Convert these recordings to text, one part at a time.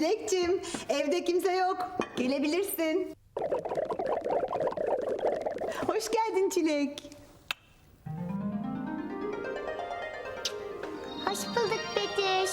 Çilekçim, evde kimse yok. Gelebilirsin. Hoş geldin Çilek. Hoş bulduk Betüş.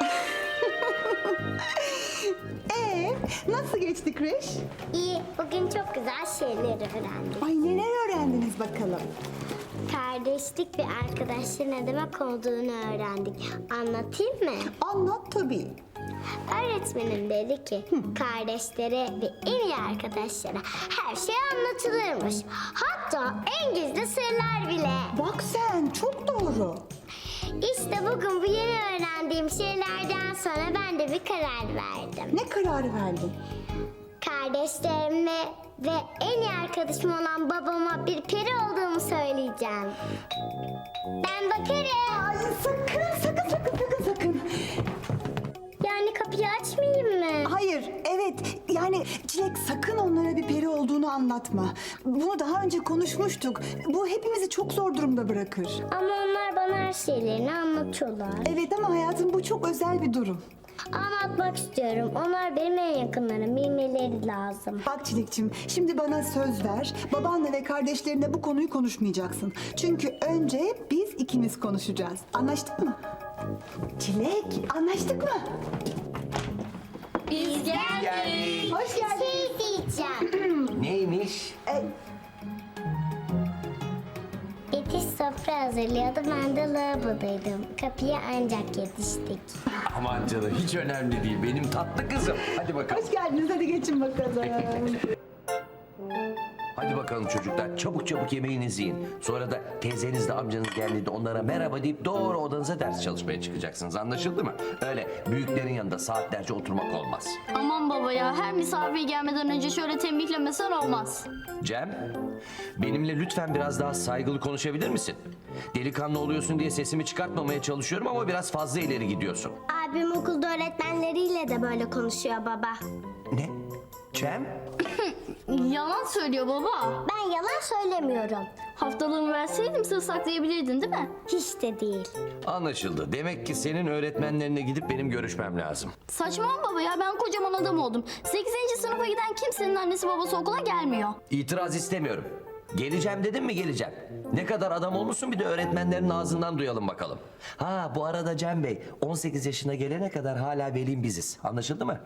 Nasıl geçti kreş? İyi, bugün çok güzel şeyler öğrendik. Ay neler öğrendiniz bakalım? Kardeşlik ve arkadaşlık ne demek olduğunu öğrendik. Anlatayım mı? Anlat tabii. Öğretmenim dedi ki kardeşlere ve en iyi arkadaşlara her şey anlatılırmış. Hatta en gizli sırlar bile. Bak sen, çok doğru. İşte bugün bu yeni öğrendiğim şeylerden sonra ben de bir karar verdim. Ne kararı verdin? Kardeşlerime ve en iyi arkadaşım olan babama bir peri olduğumu söyleyeceğim. Ben bakarım. Ay sakın. Yani kapıyı açmayayım mı? Hayır, evet. Yani Çilek sakın onlara bir peri olduğunu anlatma. Bunu daha önce konuşmuştuk. Bu hepimizi çok zor durumda bırakır. Ama onlar bana her şeylerini anlatıyorlar. Evet ama hayatım bu çok özel bir durum. Anlatmak istiyorum. Onlar benim en yakınlarım. Bilmeleri lazım. Bak Çilekçim, şimdi bana söz ver. Babanla ve kardeşlerinle bu konuyu konuşmayacaksın. Çünkü önce biz ikimiz konuşacağız. Anlaştık mı? Çilek, anlaştık mı? Biz geldik. Hoş geldin. Şey diyeceğim. Neymiş? Betüş sofra hazırlıyordu. Ben de lavabodaydım. Kapıya ancak yetiştik. Aman canım hiç önemli değil. Benim tatlı kızım. Hadi bakalım. Hoş geldiniz, hadi geçin bakalım. Hadi bakalım çocuklar. Çabuk çabuk yemeğinizi yiyin. Sonra da teyzenizle amcanız geldiğinde onlara merhaba deyip doğru odanıza ders çalışmaya çıkacaksınız. Anlaşıldı mı? Öyle büyüklerin yanında saatlerce oturmak olmaz. Aman baba ya, her misafir gelmeden önce şöyle tembihlemesen olmaz. Cem, benimle lütfen biraz daha saygılı konuşabilir misin? Delikanlı oluyorsun diye sesimi çıkartmamaya çalışıyorum ama biraz fazla ileri gidiyorsun. Abim okulda öğretmenleriyle de böyle konuşuyor baba. Ne? Cem? Yalan söylüyor baba. Ben yalan söylemiyorum. Haftalığımı verseydim sır saklayabilirdin değil mi? Hiç de değil. Anlaşıldı. Demek ki senin öğretmenlerine gidip benim görüşmem lazım. Saçmalama baba ya, ben kocaman adam oldum. 8. sınıfa giden kimsenin annesi babası okula gelmiyor. İtiraz istemiyorum. Geleceğim dedim mi geleceğim. Ne kadar adam olmuşsun bir de öğretmenlerin ağzından duyalım bakalım. Ha bu arada Cem Bey 18 yaşına gelene kadar hala velim biziz. Anlaşıldı mı?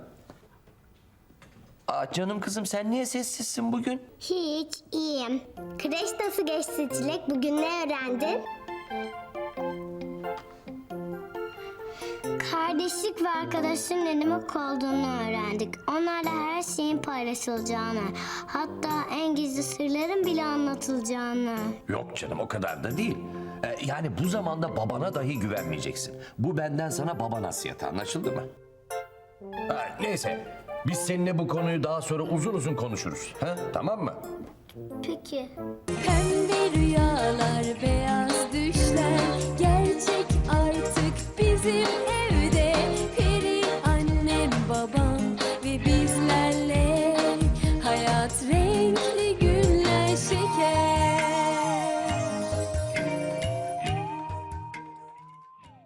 Aa, canım kızım sen niye sessizsin bugün? Hiç, iyiyim. Kreş nasıl geçti Çilek? Bugün ne öğrendin? Kardeşlik ve arkadaşlığın ne demek olduğunu öğrendik. Onlarla her şeyin paylaşılacağını, hatta en gizli sırların bile anlatılacağını. Yok canım o kadar da değil. Yani bu zamanda babana dahi güvenmeyeceksin. Bu benden sana baba nasihatı, anlaşıldı mı? Ha, neyse biz seninle bu konuyu daha sonra uzun uzun konuşuruz. Ha? Tamam mı? Peki. Pembe rüyalar, beyaz